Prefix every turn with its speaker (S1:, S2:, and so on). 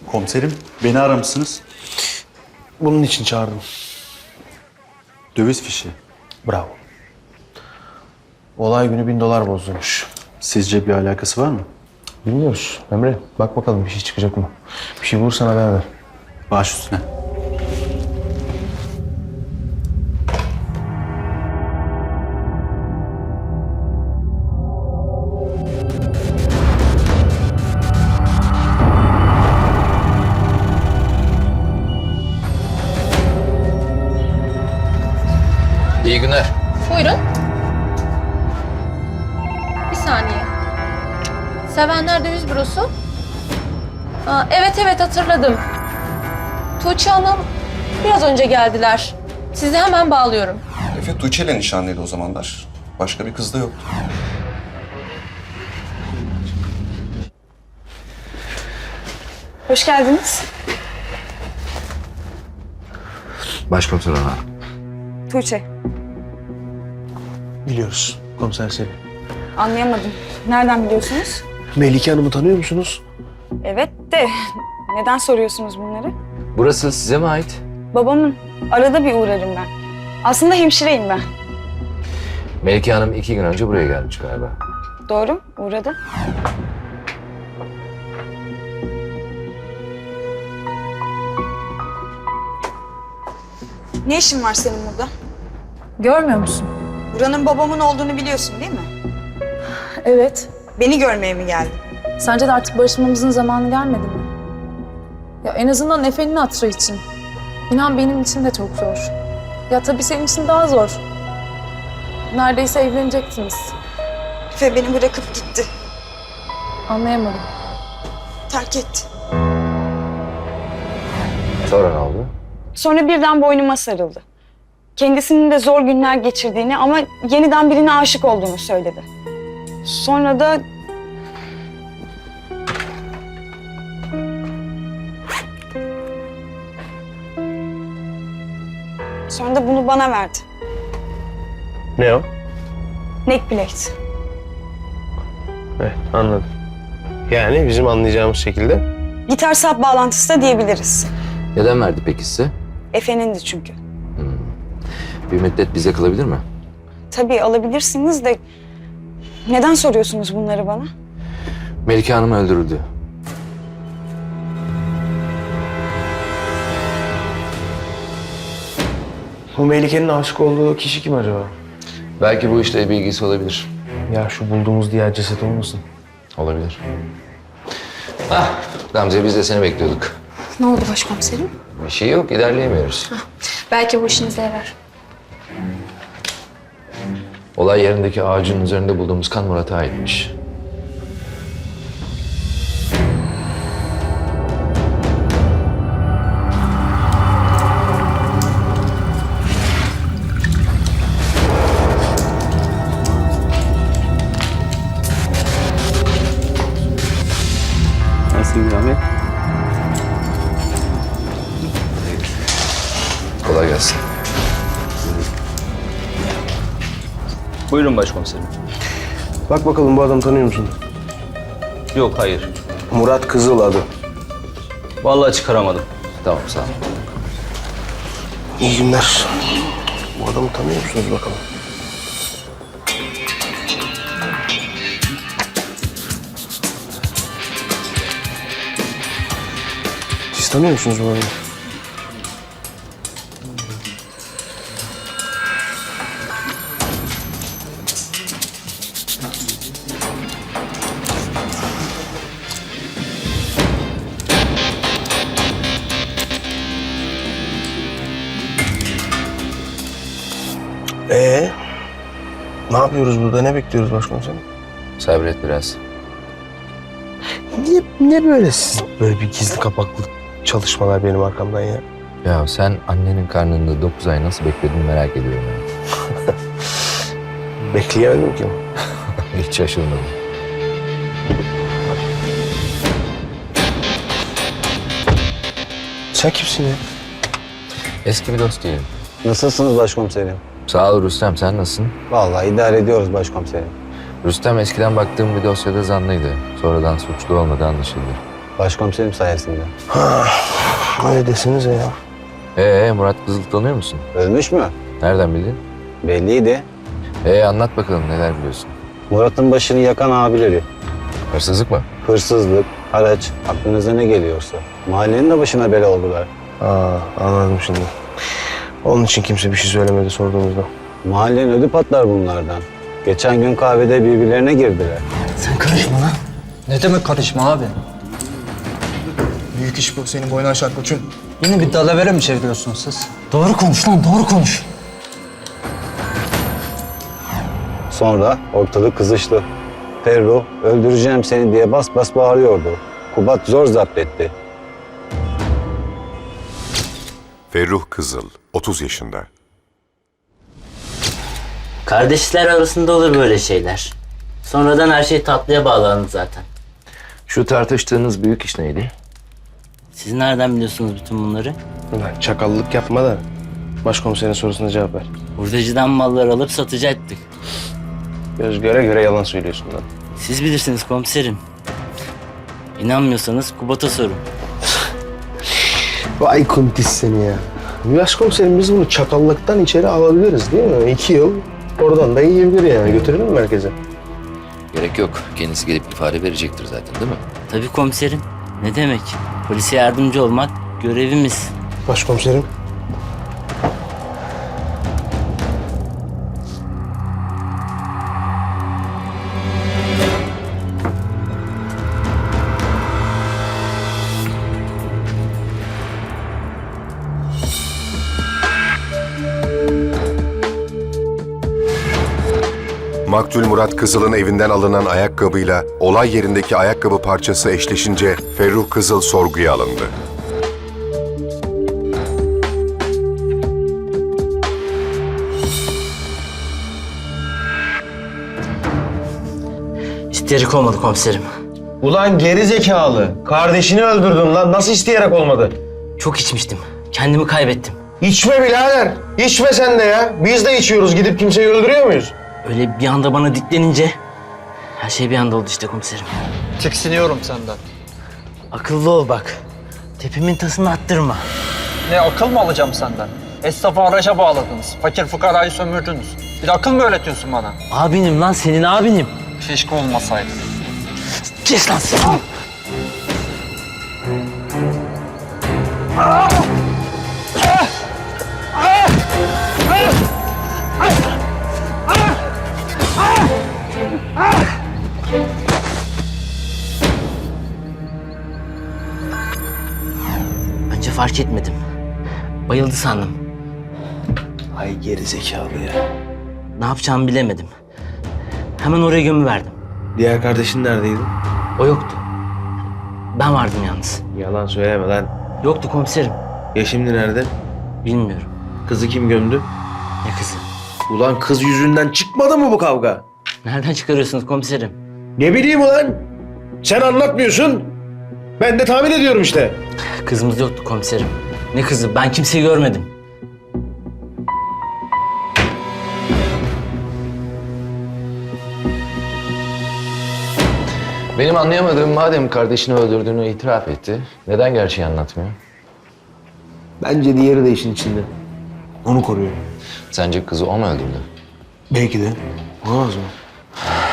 S1: Komiserim, beni aramışsınız.
S2: Bunun için çağırdım.
S1: Döviz fişi.
S2: Bravo. Olay günü $1000 bozulmuş.
S1: Sizce bir alakası var mı?
S2: Bilmiyoruz. Emre bak bakalım bir şey çıkacak mı? Bir şey bulursan haber ver.
S1: Baş üstüne.
S3: İyi günler.
S4: Buyurun. Bir saniye. Sevenler Döviz Bürosu. Evet hatırladım. Tuğçe Hanım biraz önce geldiler. Sizi hemen bağlıyorum.
S5: Efe Tuğçe'yle nişanlıydı o zamanlar. Başka bir kız da yoktu.
S6: Hoş geldiniz.
S3: Başkomiser Orhan.
S6: Tuğçe.
S2: Biliyoruz komiser Selim.
S6: Anlayamadım. Nereden biliyorsunuz?
S2: Melike Hanım'ı tanıyor musunuz?
S6: Evet de neden soruyorsunuz bunları?
S3: Burası size mi ait?
S6: Babamın. Arada bir uğrarım ben. Aslında hemşireyim ben.
S3: Melike Hanım 2 gün önce buraya gelmiş galiba.
S6: Doğru, uğradı. Ne işin var senin burada?
S7: Görmüyor musun?
S6: Buranın babamın olduğunu biliyorsun değil mi?
S7: Evet.
S6: Beni görmeye mi geldin?
S7: Sence de artık barışmamızın zamanı gelmedi mi? Ya en azından Efe'nin hatırı için. İnan benim için de çok zor. Ya tabii senin için daha zor. Neredeyse evlenecektiniz.
S6: Efe beni bırakıp gitti.
S7: Anlayamadım.
S6: Terk etti.
S3: Sonra ne oldu?
S6: Sonra birden boynuma sarıldı. Kendisinin de zor günler geçirdiğini ama yeniden birine aşık olduğunu söyledi. Sonra da... Sonra da bunu bana verdi.
S2: Ne o?
S6: Neckplate.
S2: Evet anladım. Yani bizim anlayacağımız şekilde.
S6: Gitar sap bağlantısı da diyebiliriz.
S3: Neden verdi peki size?
S6: Efe'nindi çünkü.
S3: Bir müddet bize kalabilir mi?
S6: Tabii alabilirsiniz de... Neden soruyorsunuz bunları bana?
S3: Melike Hanım öldürüldü.
S2: Bu Melike'nin aşık olduğu kişi kim acaba?
S3: Belki bu işle bir ilgisi olabilir.
S2: Ya şu bulduğumuz diğer ceset olmasın?
S3: Olabilir. Ah Gamze, biz de seni bekliyorduk.
S4: Ne oldu başkomiserim?
S3: Bir şey yok, ilerleyemiyoruz.
S4: Belki bu işinize yarar.
S3: Olay yerindeki ağacın üzerinde bulduğumuz kan Murat'a aitmiş.
S1: Nasılsın Ahmet?
S3: Kolay gelsin.
S8: Buyurun başkomiserim.
S2: Bak bakalım bu adamı tanıyor musun?
S8: Yok, hayır.
S2: Murat Kızıl adı.
S8: Vallahi çıkaramadım.
S3: Tamam, sağ ol.
S2: İyi günler. Bu adamı tanıyor musunuz bakalım? Siz tanıyor musunuz bu adamı? Ne yapıyoruz burada? Ne bekliyoruz başkomiserim?
S3: Sabret biraz.
S2: Ne böyle siz böyle bir gizli kapaklı çalışmalar benim arkamdan ya?
S3: Ya sen annenin karnında 9 ay nasıl bekledin merak ediyorum ya.
S2: Bekleyemedim ki.
S3: Hiç şaşırmadım.
S2: Sen kimsin ya?
S3: Eski bir dost diyelim.
S9: Nasılsınız başkomiserim?
S3: Sağ ol Rüstem, sen nasılsın?
S9: Vallahi idare ediyoruz başkomiserim.
S3: Rüstem eskiden baktığım bir dosyada zanlıydı. Sonradan suçlu olmadığı anlaşıldı.
S9: Başkomiserim sayesinde.
S2: Öyle desenize ya.
S3: Murat Kızıl tanıyor musun?
S9: Ölmüş mü?
S3: Nereden bildin?
S9: Belliydi.
S3: Anlat bakalım neler biliyorsun.
S9: Murat'ın başını yakan abileri.
S3: Hırsızlık mı?
S9: Hırsızlık, haraç, aklınıza ne geliyorsa. Mahallenin de başına bela oldular.
S2: Anladım şimdi. Onun için kimse bir şey söylemedi sorduğumuzda.
S9: Mahallenin ödü patlar bunlardan. Geçen gün kahvede birbirlerine girdiler.
S10: Sen karışma lan. Ne demek karışma abi? Büyük iş bu. Senin boyunu aşar koçum. Yine bir dalavere mi çeviriyorsunuz siz? Doğru konuş lan, doğru konuş.
S9: Sonra ortalık kızıştı. Ferruh, öldüreceğim seni diye bas bas bağırıyordu. Kubat zor zapt etti.
S11: Ferruh Kızıl, 30 yaşında.
S12: Kardeşler arasında olur böyle şeyler. Sonradan her şey tatlıya bağlandı zaten.
S3: Şu tartıştığınız büyük iş neydi?
S12: Siz nereden biliyorsunuz bütün bunları?
S2: Ulan çakallık yapma da başkomiserin sorusuna cevap ver.
S12: Hurdacıdan mallar alıp satacaktık.
S2: Göz göre göre yalan söylüyorsun lan.
S12: Siz bilirsiniz komiserim. İnanmıyorsanız Kubat'a sorun.
S2: Vay kuntis seni ya. Başkomiserim biz bunu çakallıktan içeri alabiliriz değil mi? 2 yıl oradan da yiyebilir yani. Götürelim mi merkeze?
S3: Gerek yok. Kendisi gelip ifade verecektir zaten değil mi?
S12: Tabii komiserim. Ne demek? Polise yardımcı olmak görevimiz.
S2: Başkomiserim.
S11: Maktul Murat Kızıl'ın evinden alınan ayakkabıyla olay yerindeki ayakkabı parçası eşleşince Ferruh Kızıl sorguya alındı.
S12: İsteyerek olmadı komiserim.
S2: Ulan geri zekalı. Kardeşini öldürdün lan. Nasıl isteyerek olmadı?
S12: Çok içmiştim. Kendimi kaybettim.
S2: İçme birader. İçme sen de ya. Biz de içiyoruz. Gidip kimseyi öldürüyor muyuz?
S12: Öyle bir anda bana diklenince her şey bir anda oldu işte komiserim.
S10: Tiksiniyorum senden.
S12: Akıllı ol bak. Tepimin tasını attırma.
S10: Ne akıl mı alacağım senden? Esnafı araca bağladınız. Fakir fukarayı sömürdünüz. Bir de akıl mı öğretiyorsun bana?
S12: Abinim lan, senin abinim.
S10: Keşke olmasaydı.
S12: Kes lan sen. Önce fark etmedim. Bayıldı sandım.
S2: Ay geri zekalı ya.
S12: Ne yapacağımı bilemedim. Hemen oraya gömüverdim.
S2: Diğer kardeşin neredeydi?
S12: O yoktu. Ben vardım yalnız.
S2: Yalan söyleme lan.
S12: Yoktu komiserim.
S2: Ya şimdi nerede?
S12: Bilmiyorum.
S2: Kızı kim gömdü?
S12: Ne kızı?
S2: Ulan kız yüzünden çıkmadı mı bu kavga?
S12: Nereden çıkarıyorsunuz komiserim?
S2: Ne bileyim ulan. Sen anlatmıyorsun. Ben de tahmin ediyorum işte.
S12: Kızımız yoktu komiserim. Ne kızı? Ben kimseyi görmedim.
S3: Benim anlayamadığım madem kardeşini öldürdüğünü itiraf etti, neden gerçeği anlatmıyor?
S2: Bence diğeri de işin içinde. Onu koruyor.
S3: Sence kızı o mu öldürdü?
S2: Belki de. Olamaz mı?